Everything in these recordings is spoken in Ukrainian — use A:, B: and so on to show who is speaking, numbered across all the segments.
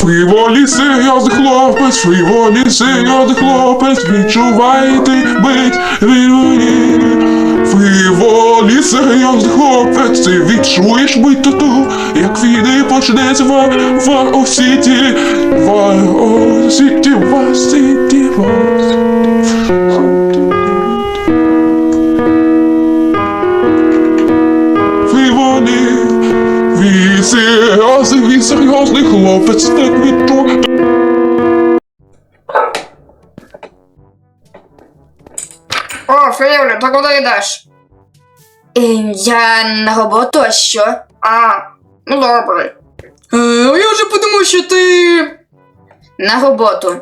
A: Фріволі серйозний хлопець, фріволі серйозний хлопець, відчувайте бить фріволі. Фріволі серйозний хлопець, ти відчуєш бить тату, як війни почнеться в Осіті, в Осіті, в Осіті, в Осіті. Фріволі, він серйозний хлопець, так відчує.
B: О, Фріволі, ти куди йдеш?
C: Я на роботу, а що?
B: Ну добре.
C: Я вже подумав, що ти... На роботу.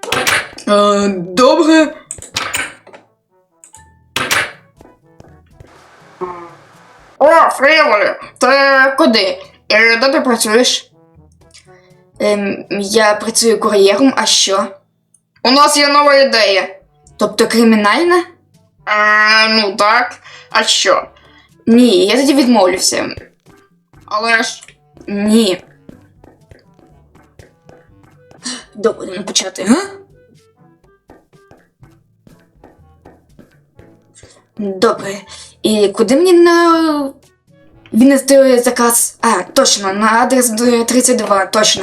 C: Добре.
B: О, Фріволі, ти
C: Куди?
B: і де ти працюєш?
C: Я працюю кур'єром, а що?
B: У нас є нова ідея.
C: Тобто кримінальна?
B: Ну так. А що?
C: Ні, я тоді відмовлюся.
B: Але ж...
C: Ні. Добре, не почати, га? Добре. І куди мені віднести заказ? Точно, на адрес 32, точно.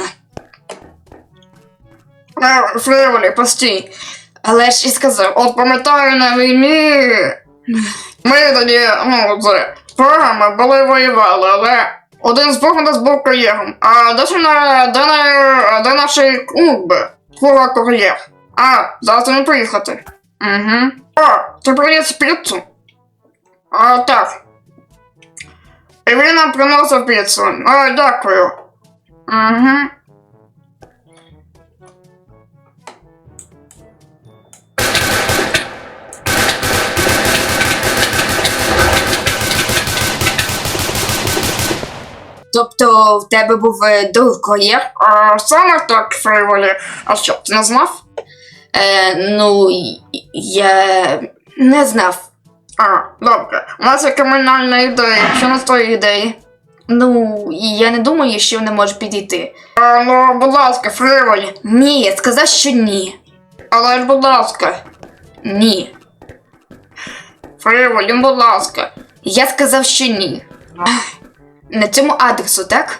B: Фріволі, постій.
C: Але ж і сказав,
B: От пам'ятаю на війні... Ми тоді, з ворогами були воювали, але один з них у нас був кур'єром. А де наш кур'єр? Зараз не приїхати.
C: Угу.
B: Ти приніс піцу? Так. І він нам приносив піцу. Дякую.
C: Угу. Тобто в тебе був друг кур'єр?
B: Саме так, Фріволі. А що, ти не знав?
C: Ну, я не знав.
B: Добре. У нас є кримінальна ідея. Що на твої ідеї?
C: Ну, я не думаю, що вони можуть підійти.
B: Ну, будь ласка, Фріволі.
C: Ні, я сказав, що ні.
B: Але ж, будь ласка.
C: Ні.
B: Фріволі, будь ласка.
C: Я сказав, що ні. На цьому адресу, так?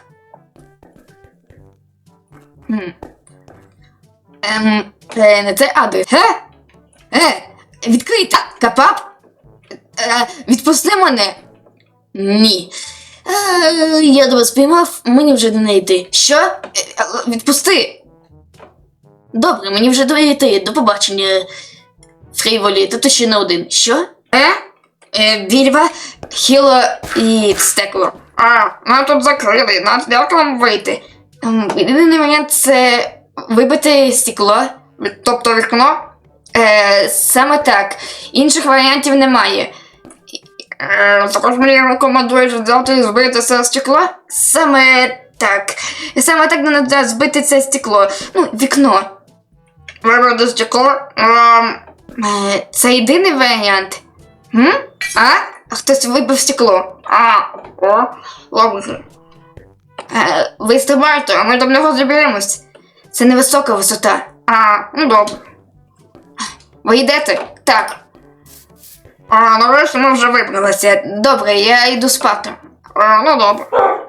C: На цей адрес. Відкрий капап. Відпусти мене. Ні. Я тебе спіймав, мені вже не йти. Що? Відпусти. Добре, мені вже не йти. До побачення. Фріволі, та ти ще не один. Що? Вільва, Хіло і Стекло.
B: Нам тут закрили, як нам вийти?
C: Єдиний момент це вибити стекло.
B: Тобто вікно?
C: Саме так. Інших варіантів немає.
B: Також мені рекомендуєш взяти і збити це стекло?
C: Саме так. Саме так треба збити це стекло. Ну, вікно.
B: Вибити стекло?
C: Це єдиний варіант. Хтось вибив стекло.
B: Добре.
C: Ви стрибайте, а ми до нього заберемось. Це невисока висота.
B: Ну добре.
C: Ви йдете? Так.
B: Нарешті ми вже вибралися.
C: Добре, я йду спати.
B: Ну добре.